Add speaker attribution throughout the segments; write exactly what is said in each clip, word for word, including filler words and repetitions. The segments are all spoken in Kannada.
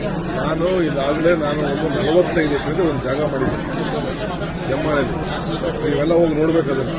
Speaker 1: ನಾನು ಈಗಾಗಲೇ ನಾನು ಒಂದು ನಲವತ್ತೈದು ಎಕರೆ ಒಂದು ಜಾಗ ಮಾಡಿದ್ದೀನಿ ಕೆಮ್ಮಣ್ಣಲ್ಲಿ. ನೀವೆಲ್ಲ ಹೋಗಿ ನೋಡ್ಬೇಕದನ್ನು.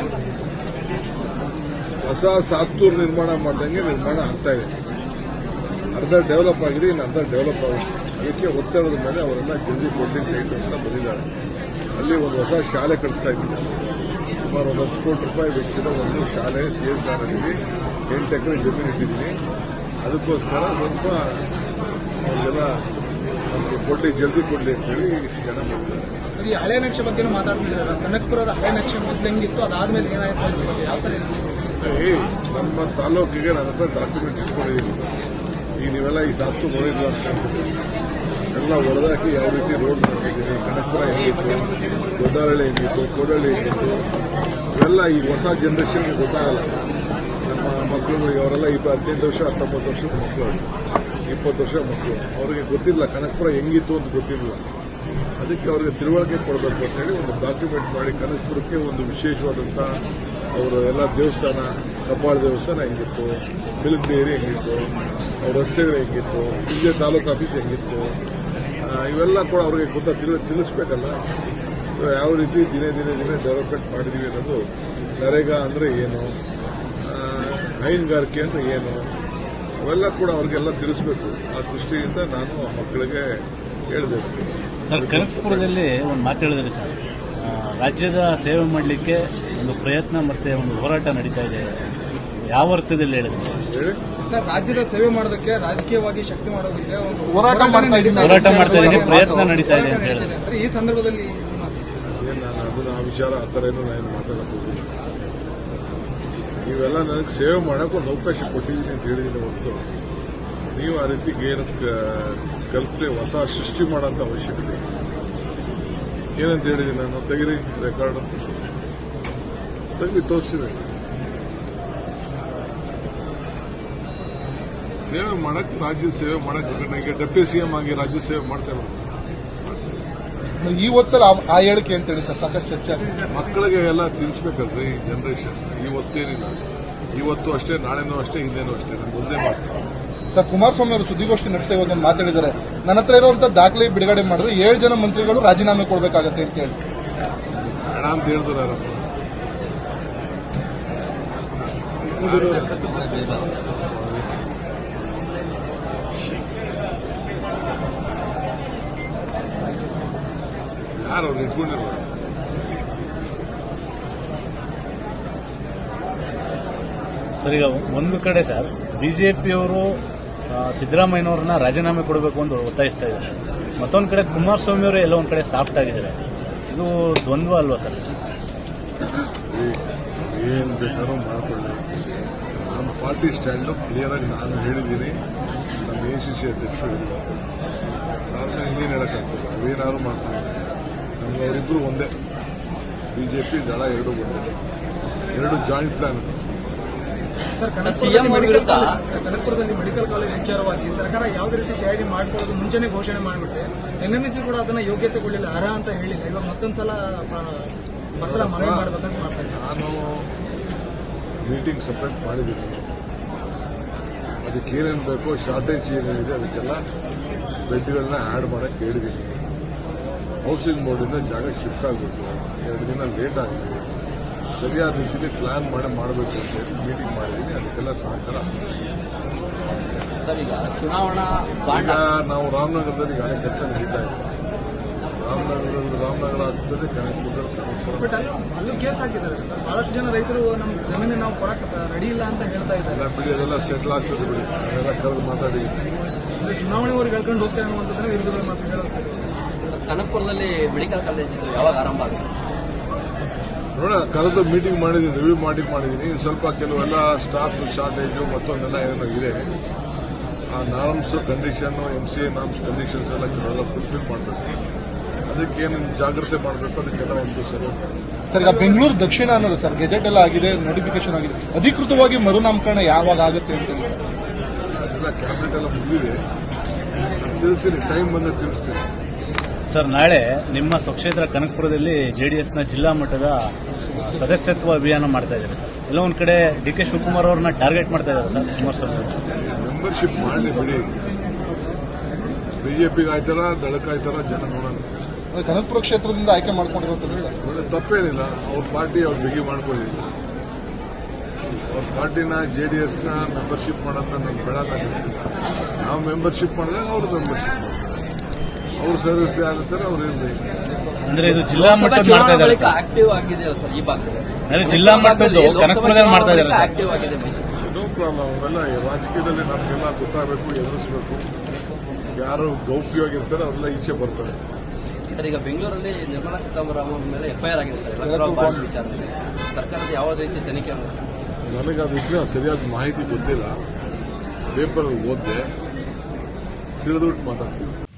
Speaker 1: ಹೊಸ ಸಾತ್ತೂರು ನಿರ್ಮಾಣ ಮಾಡ್ದಂಗೆ ನಿರ್ಮಾಣ ಆಗ್ತಾ ಇದೆ. ಅರ್ಧ ಡೆವಲಪ್ ಆಗಿದೆ, ಇನ್ನು ಅರ್ಧ ಡೆವಲಪ್ ಆಗುತ್ತೆ. ಅದಕ್ಕೆ ಒತ್ತಡದ ಮೇಲೆ ಅವರೆಲ್ಲ ಜಲ್ದಿ ಕೊಡ್ಲಿ ಸೈಟ್ ಅಂತ ಬಂದಿದ್ದಾರೆ. ಅಲ್ಲಿ ಒಂದು ಹೊಸ ಶಾಲೆ ಕಳಿಸ್ತಾ ಇದ್ದೀನಿ. ಸುಮಾರು ಒಂದು ಹತ್ತು ಕೋಟಿ ರೂಪಾಯಿ ವೆಚ್ಚದ ಒಂದು ಶಾಲೆ ಸಿ ಎಸ್ ಆರ್ ಅಲ್ಲಿ ಎಂಟು ಎಕರೆ ಜಮೀನು ಇಟ್ಟಿದ್ದೀನಿ. ಅದಕ್ಕೋಸ್ಕರ ಸ್ವಲ್ಪ ಅವ್ರಿಗೆಲ್ಲ ನಮಗೆ ಕೊಡ್ಲಿ, ಜಲ್ದಿ ಕೊಡ್ಲಿ ಅಂತೇಳಿ ಇಷ್ಟು ಜನ ಮಾಡಿದ್ದಾರೆ.
Speaker 2: ಸರ್, ಈ ಹಳೆ ನಕ್ಷೆ ಬಗ್ಗೆ ಮಾತಾಡ್ತಿದ್ದಾರೆ. ಕನಕಪುರದ ಹಳೆ ನಕ್ಷೆ ಮೊದಲು ಹೆಂಗಿತ್ತು, ಅದಾದ್ಮೇಲೆ ಏನಾಯ್ತು ಅದ್ರ ಬಗ್ಗೆ ಯಾವ ತರ?
Speaker 1: ನಮ್ಮ ತಾಲೂಕಿಗೆ ನನ್ನ ಹತ್ರ ಡಾಕ್ಯುಮೆಂಟ್ ಇಟ್ಕೊಂಡಿದ್ದೀನಿ. ಈಗ ನೀವೆಲ್ಲ ಈ ಸಾತ್ತು ನೋಡಿಲ್ಲ ಅಂತ ಹೇಳ್ತಿದ್ದೀವಿ. ಎಲ್ಲ ಹೊಡೆದಾಕಿ ಯಾವ ರೀತಿ ರೋಡ್ ಮಾಡ್ತಿದ್ದೀನಿ, ಕನಕಪುರ ಹೆಂಗಿತ್ತು, ದೊಡ್ಡಹಳ್ಳಿ ಹೆಂಗಿತ್ತು, ಕೋಡಹಳ್ಳಿ ಹೆಂಗಿತ್ತು, ಇವೆಲ್ಲ ಈ ಹೊಸ ಜನರೇಷನ್ಗೆ ಗೊತ್ತಾಗಲ್ಲ. ನಮ್ಮ ಮಕ್ಕಳು ಅವರೆಲ್ಲ ಇಪ್ಪ ಹದಿನೆಂಟು ವರ್ಷ ಹತ್ತೊಂಬತ್ತು ವರ್ಷದ ಮಕ್ಕಳು, ಇಪ್ಪತ್ತು ವರ್ಷ ಮಕ್ಕಳು, ಅವರಿಗೆ ಗೊತ್ತಿಲ್ಲ ಕನಕಪುರ ಹೆಂಗಿತ್ತು ಅಂತ ಗೊತ್ತಿಲ್ಲ. ಅದಕ್ಕೆ ಅವರಿಗೆ ತಿಳುವಳಿಕೆ ಕೊಡಬೇಕು ಅಂತೇಳಿ ಒಂದು ಡಾಕ್ಯುಮೆಂಟ್ ಮಾಡಿ ಕನಕಪುರಕ್ಕೆ ಒಂದು ವಿಶೇಷವಾದಂಥ ಅವರ ಎಲ್ಲ ದೇವಸ್ಥಾನ, ಕಬ್ಬಾಳ ದೇವಸ್ಥಾನ ಹೆಂಗಿತ್ತು, ಮಿಲ್ಕ್ ಡೈರಿ ಹೆಂಗಿತ್ತು, ಅವ್ರ ರಸ್ತೆಗಳು ಹೆಂಗಿತ್ತು, ಇಲ್ಲೇ ತಾಲೂಕು ಆಫೀಸ್ ಹೆಂಗಿತ್ತು, ಇವೆಲ್ಲ ಕೂಡ ಅವ್ರಿಗೆ ಗೊತ್ತಾ ತಿಳಿ ತಿಳಿಸ್ಬೇಕಲ್ಲ. ಸೊ ಯಾವ ರೀತಿ ದಿನೇ ದಿನೇ ದಿನೇ ಡೆವಲಪ್ಮೆಂಟ್ ಮಾಡಿದೀವಿ ಅನ್ನೋದು, ನರೇಗಾ ಅಂದರೆ ಏನು, ಹೈನುಗಾರಿಕೆ ಅಂದರೆ ಏನು, ಅವೆಲ್ಲ ಕೂಡ ಅವ್ರಿಗೆಲ್ಲ ತಿಳಿಸ್ಬೇಕು. ಆ ದೃಷ್ಟಿಯಿಂದ ನಾನು ಆ ಮಕ್ಕಳಿಗೆ ಹೇಳಿದೆ.
Speaker 3: ಸರ್, ಕನಕಪುರದಲ್ಲಿ ಒಂದು ಮಾತು ಹೇಳಿದ್ರಿ ಸರ್, ರಾಜ್ಯದ ಸೇವೆ ಮಾಡಲಿಕ್ಕೆ ಒಂದು ಪ್ರಯತ್ನ ಮತ್ತೆ ಒಂದು ಹೋರಾಟ ನಡೀತಾ ಇದೆ. ಯಾವ ಅರ್ಥದಲ್ಲಿ ಹೇಳಿದ್ರು
Speaker 1: ಹೇಳಿ?
Speaker 2: ಸರ್, ರಾಜ್ಯದ ಸೇವೆ ಮಾಡೋದಕ್ಕೆ, ರಾಜಕೀಯವಾಗಿ ಶಕ್ತಿ ಮಾಡೋದಕ್ಕೆ ಒಂದು
Speaker 3: ಹೋರಾಟ ಮಾಡ್ತಾ ಇದ್ದೀನಿ, ಪ್ರಯತ್ನ ನಡೀತಾ ಇದೆ ಅಂತ ಹೇಳಿದ್ರೆ
Speaker 2: ಈ ಸಂದರ್ಭದಲ್ಲಿ
Speaker 1: ನಾನು ಅದನ್ನ ಆ ವಿಚಾರ ಆ ಥರ ಏನೋ ನಾನು ಮಾತಾಡಕ್ಕೆ ಹೋಗಿಲ್ಲ. ನೀವೆಲ್ಲ ನನಗೆ ಸೇವೆ ಮಾಡೋಕೆ ಒಂದು ಅವಕಾಶ ಕೊಟ್ಟಿದ್ದೀನಿ ಅಂತ ಹೇಳಿದ್ದೀನಿ ಹೊರತು ನೀವು ಆ ರೀತಿ ಏನು ಕಲ್ಪನೆ ಹೊಸ ಸೃಷ್ಟಿ ಮಾಡೋಂಥ ಅವಶ್ಯಕತೆ ಏನಂತ ಹೇಳಿದ್ದೀನಿ ನಾನು. ತೆಗಿರಿ ರೆಕಾರ್ಡ್ ತೆಗಿ ತೋರಿಸಿದೆ. ಸೇವೆ ಮಾಡಕ್ಕೆ, ರಾಜ್ಯದ ಸೇವೆ ಮಾಡಕ್ಕೆ ಈಗ ಡೆಪ್ಟಿ ಸಿಎಂ ಆಗಿ ರಾಜ್ಯ ಸೇವೆ ಮಾಡ್ತಾ ಇರೋದು.
Speaker 4: ಈ ಹೊತ್ತಲ್ಲಿ ಆ ಹೇಳಿಕೆ ಅಂತೇಳಿ ಸರ್ ಸಾಕಷ್ಟು ಚರ್ಚೆ ಆಗಿದೆ.
Speaker 1: ಮಕ್ಕಳಿಗೆ ಎಲ್ಲ ತಿಳಿಸ್ಬೇಕಲ್ರಿ ಜನರೇಷನ್. ಇವತ್ತೇನಿಲ್ಲ, ಇವತ್ತು ಅಷ್ಟೇ, ನಾಳೆನೂ ಅಷ್ಟೇ, ಹಿಂದೇನೂ ಅಷ್ಟೇ. ನಾನು ಒಂದೇ ಮಾಡ್ತೀನಿ
Speaker 4: ಸರ್. ಕುಮಾರಸ್ವಾಮಿ ಅವರು ಸುದ್ದಿಗೋಷ್ಠಿ ನಡೆಸಿ ಇವತ್ತೊಂದು ಮಾತಾಡಿದ್ದಾರೆ. ನನ್ನ ಹತ್ರ ಇರುವಂತ ದಾಖಲೆ ಬಿಡುಗಡೆ ಮಾಡಿದ್ರೆ ಏಳು ಜನ ಮಂತ್ರಿಗಳು ರಾಜೀನಾಮೆ ಕೊಡಬೇಕಾಗತ್ತೆ ಅಂತ ಹೇಳಿ
Speaker 1: ಬೇಡ ಅಂತ ಹೇಳಿದ್ರು. ಯಾರು ಅವ್ರು ಇಟ್ಕೊಂಡಿಲ್ಲ.
Speaker 3: ಸರ್, ಈಗ ಒಂದು ಕಡೆ ಸರ್ ಬಿಜೆಪಿಯವರು ಸಿದ್ದರಾಮಯ್ಯನವ್ರನ್ನ ರಾಜೀನಾಮೆ ಕೊಡಬೇಕು ಅಂತ ಒತ್ತಾಯಿಸ್ತಾ ಇದ್ದಾರೆ. ಮತ್ತೊಂದು ಕಡೆ ಕುಮಾರಸ್ವಾಮಿ ಅವರು ಎಲ್ಲ ಒಂದು ಕಡೆ ಸಾಫ್ಟ್ ಆಗಿದ್ದಾರೆ. ಇದು ದ್ವಂದ್ವ ಅಲ್ವಾ ಸರ್?
Speaker 1: ಏನು ಬೇಕಾದ್ರೂ ಮಾಡ್ಕೊಳ್ಳಿ. ನಮ್ಮ ಪಾರ್ಟಿ ಸ್ಟ್ಯಾಂಡು ಕ್ಲಿಯರ್ ಆಗಿ ನಾನು ಹೇಳಿದ್ದೀನಿ, ನಮ್ಮ ಎ ಸಿ ಸಿ ಅಧ್ಯಕ್ಷರು ಹೇಳಿದ್ದಾರೆ. ಆದ್ಮೇಲೆ ಇನ್ನೇನು ಹೇಳಕ್ಕಾಗ್ತದೆ, ಅವೇನಾದ್ರು ಮಾಡ್ತಾರೆ. ನಮ್ಗೆ ಅವರಿಬ್ಬರು ಒಂದೇ, ಬಿಜೆಪಿ ದಳ ಎರಡು ಒಂದೇ, ಎರಡು ಜಾಯಿಂಟ್ ಪ್ಲಾನ್.
Speaker 2: ಸರ್, ಕನಕಪುರದಲ್ಲಿ ಮೆಡಿಕಲ್ ಕಾಲೇಜ್ ವಿಚಾರವಾಗಿ ಸರ್ಕಾರ ಯಾವುದೇ ರೀತಿ ತಯಾರಿ ಮಾಡ್ಕೊಳ್ಳೋದು ಮುಂಚೆನೆ ಘೋಷಣೆ ಮಾಡಿಬಿಟ್ಟೆ. ಎನ್ಎಂಸಿ ಕೂಡ ಅದನ್ನ ಯೋಗ್ಯತೆಗೊಳ್ಳಿಲ್ಲ, ಅರ್ಹ ಅಂತ ಹೇಳಿಲ್ಲ. ಇವಾಗ ಮತ್ತೊಂದ್ಸಲ ಪತ್ರ ಮನವಿ ಮಾಡಬೇಕಂತ ಮಾಡ್ತಾ ಇದ್ದಾರೆ.
Speaker 1: ನಾನು ಮೀಟಿಂಗ್ ಸಪ್ರೇಟ್ ಮಾಡಿದ್ದೀನಿ. ಅದಕ್ಕೆ ಏನೇನು ಬೇಕೋ, ಶಾರ್ಟೇಜ್ ಏನೇನಿದೆ ಅದಕ್ಕೆಲ್ಲ ಬೆಡ್ಗಳನ್ನ ಆ್ಯಡ್ ಮಾಡಕ್ಕೆ ಹೇಳಿದ್ದೀನಿ. ಹೌಸಿಂಗ್ ಬೋರ್ಡಿಂದ ಜಾಗ ಶಿಫ್ಟ್ ಆಗಬೇಕು. ಎರಡು ದಿನ ಲೇಟ್ ಆಗಿದೆ. ಸರಿಯಾದ ರೀತಿಯಲ್ಲಿ ಪ್ಲಾನ್ ಮಾಡಿ ಮಾಡಬೇಕು ಅಂತ ಹೇಳಿ ಮೀಟಿಂಗ್ ಮಾಡಿದ್ದೀನಿ. ಅದಕ್ಕೆಲ್ಲ ಸಹಕಾರ.
Speaker 5: ಸರ್, ಈಗ ಚುನಾವಣಾ
Speaker 1: ಈಗ ನಾವು ರಾಮನಗರದಲ್ಲಿ ಈಗಾಗಲೇ ಕೆಲಸ ನಡೀತಾ ಇದೆ. ರಾಮನಗರದಲ್ಲಿ ರಾಮನಗರ ಆಗ್ತದೆ, ಕನಕಪುರದಲ್ಲಿ ಕನಕಪುರ.
Speaker 2: ಬಟ್ ಅಲ್ಲೂ ಕೇಸ್ ಹಾಕಿದ್ದಾರೆ ಸರ್. ಬಹಳಷ್ಟು ಜನ ರೈತರು ನಮ್ಮ ಜಮೀನು ನಾವು ಕೊಡಕ್ಕೆ ರೆಡಿ ಇಲ್ಲ ಅಂತ ಹೇಳ್ತಾ ಇದ್ದಾರೆ.
Speaker 1: ಎಲ್ಲ ಬಿಡಿ, ಅದೆಲ್ಲ ಸೆಟ್ಲ್ ಆಗ್ತದೆ ಬಿಡಿ. ನಾನೆಲ್ಲ ಕರೆದು ಮಾತಾಡಿದ್ದೀನಿ.
Speaker 2: ಚುನಾವಣೆವರೆಗೆ ಹೇಳ್ಕೊಂಡು ಹೋಗ್ತಾರೆ ಅನ್ನುವಂಥದ್ದನ್ನ ವಿರೋಧಗಳು ಮಾತು ಹೇಳೋದು ಸರ್.
Speaker 5: ಕನಕಪುರದಲ್ಲಿ ಮೆಡಿಕಲ್ ಕಾಲೇಜ್ ಯಾವಾಗ ಆರಂಭ ಆಗುತ್ತೆ
Speaker 1: ನೋಡ, ಕರೆದು ಮೀಟಿಂಗ್ ಮಾಡಿದ್ದೀನಿ, ರಿವ್ಯೂ ಮಾಡಿ ಮಾಡಿದ್ದೀನಿ. ಸ್ವಲ್ಪ ಕೆಲವೆಲ್ಲ ಸ್ಟಾಫ್ ಶಾರ್ಟೇಜು ಮತ್ತೊಂದೆಲ್ಲ ಏನೋ ಇದೆ. ಆ norms condition, M C A norms conditions ಎಲ್ಲ ಕೆಲವೆಲ್ಲ ಫುಲ್ಫಿಲ್ ಮಾಡಬೇಕು. ಅದಕ್ಕೇನು ಜಾಗ್ರತೆ ಮಾಡಬೇಕು, ಅದಕ್ಕೆಲ್ಲ ಒಂದು ಸರಿ.
Speaker 4: ಸರ್, ಈಗ ಬೆಂಗಳೂರು ದಕ್ಷಿಣ ಅನ್ನೋದು ಸರ್ ಗೆಜೆಟ್ ಎಲ್ಲ ಆಗಿದೆ, ನೋಟಿಫಿಕೇಶನ್ ಆಗಿದೆ. ಅಧಿಕೃತವಾಗಿ ಮರುನಾಮಕರಣ ಯಾವಾಗ ಆಗುತ್ತೆ ಅಂತ ಹೇಳಿ ಸರ್?
Speaker 1: ಅದೆಲ್ಲ ಕ್ಯಾಬಿನೆಟ್ ಎಲ್ಲ ಮುಗಿದಿದೆ. ತಿಳಿಸ್ತೀನಿ, ಟೈಮ್ ಬಂದ ತಿಳಿಸ್ತೀನಿ.
Speaker 3: ಸರ್, ನಾಳೆ ನಿಮ್ಮ ಸ್ವಕ್ಷೇತ್ರ ಕನಕಪುರದಲ್ಲಿ ಜೆಡಿಎಸ್ನ ಜಿಲ್ಲಾ ಮಟ್ಟದ ಸದಸ್ಯತ್ವ ಅಭಿಯಾನ ಮಾಡ್ತಾ ಇದ್ದಾರೆ ಸರ್. ಎಲ್ಲ ಒಂದ್ ಕಡೆ ಡಿ ಕೆ ಶಿವಕುಮಾರ್ ಅವ್ರನ್ನ ಟಾರ್ಗೆಟ್ ಮಾಡ್ತಾ ಇದ್ದಾರೆ ಸರ್ ಕುಮಾರಸ್ವಾಮಿ.
Speaker 1: ಮೆಂಬರ್ಶಿಪ್ ಮಾಡಲಿ ಬಿಡಿ. ಬಿಜೆಪಿಗೆ ಆಯ್ತಾರ ದಳಕ್ಕೆ ಆಯ್ತಾರ ಜನ ನೋಡೋಣ.
Speaker 4: ಅಂದ್ರೆ ಕನಕಪುರ ಕ್ಷೇತ್ರದಿಂದ ಆಯ್ಕೆ ಮಾಡ್ಕೊಂಡಿರೋದ್ರಿಂದ
Speaker 1: ಒಳ್ಳೆ ತಪ್ಪೇನಿಲ್ಲ. ಅವ್ರ ಪಾರ್ಟಿ ಅವ್ರು ಬಿಗಿ ಮಾಡ್ಕೊಳ್ಳಿ. ಅವ್ರ ಪಾರ್ಟಿನ ಜೆ ಡಿ ಎಸ್ನ ಮೆಂಬರ್ಶಿಪ್ ಮಾಡೋದನ್ನ ನಮ್ಗೆ ಬೇಡಕ್ಕಾಗಿಲ್ಲ. ನಾವು ಮೆಂಬರ್ಶಿಪ್ ಮಾಡಿದಾಗ ಅವ್ರು ಮೆಂಬರ್ಶಿಪ್ ಅವ್ರ ಸದಸ್ಯ ಆಗಿರ್ತಾರೆ, ಅವ್ರು ಇರಲಿ.
Speaker 3: ಅಂದ್ರೆ ಇದು ಜಿಲ್ಲಾ ಮಟ್ಟದಲ್ಲಿ ಮಾಡ್ತಾ ಇದ್ದಾರೆ ಸರ್.
Speaker 5: ಆಕ್ಟಿವ್ ಆಗಿದೆಯಲ್ಲ ಸರ್ ಈ ಭಾಗದಲ್ಲಿ.
Speaker 3: ಅಂದ್ರೆ ಜಿಲ್ಲಾ ಮಟ್ಟದ್ದು ಕನಕಪುರದಲ್ಲಿ ಮಾಡ್ತಾ ಇದ್ದಾರೆ ಸರ್.
Speaker 5: ಆಕ್ಟಿವ್ ಆಗಿದೆ
Speaker 1: ನೋ ಪ್ರಾಬ್ಲಮ್. ಅವೆಲ್ಲ ರಾಜಕೀಯದಲ್ಲಿ ನಮಗೆಲ್ಲ ಗೊತ್ತಾಗಬೇಕು, ಎದುರಿಸಬೇಕು. ಯಾರು ಗೌಪ್ಯವಾಗಿರ್ತಾರೆ ಅವರೆಲ್ಲ ಈಚೆ ಬರ್ತಾರೆ.
Speaker 5: ಸರ್ ಈಗ ಬೆಂಗಳೂರಲ್ಲಿ ನಿರ್ಮಲಾ ಸೀತಾರಾಮನ್ ಮೇಲೆ ಎಫ್ಐಆರ್ ಆಗಿದೆ ಸರ್ ಎಲೆಕ್ಟ್ರಲ್ ಬಾಂಡ್ ವಿಚಾರದಲ್ಲಿ. ಸರ್ಕಾರದ ಯಾವ ರೀತಿ ತನಿಖೆ ಆಗುತ್ತೆ?
Speaker 1: ನನಗೆ ಅದಕ್ಕೆ ಸರಿಯಾದ ಮಾಹಿತಿ ಗೊತ್ತಿಲ್ಲ. ಪೇಪರ್ ಓದಿದೆ, ತಿಳಿದ್ಬಿಟ್ಟು ಮಾತಾಡ್ತೀನಿ.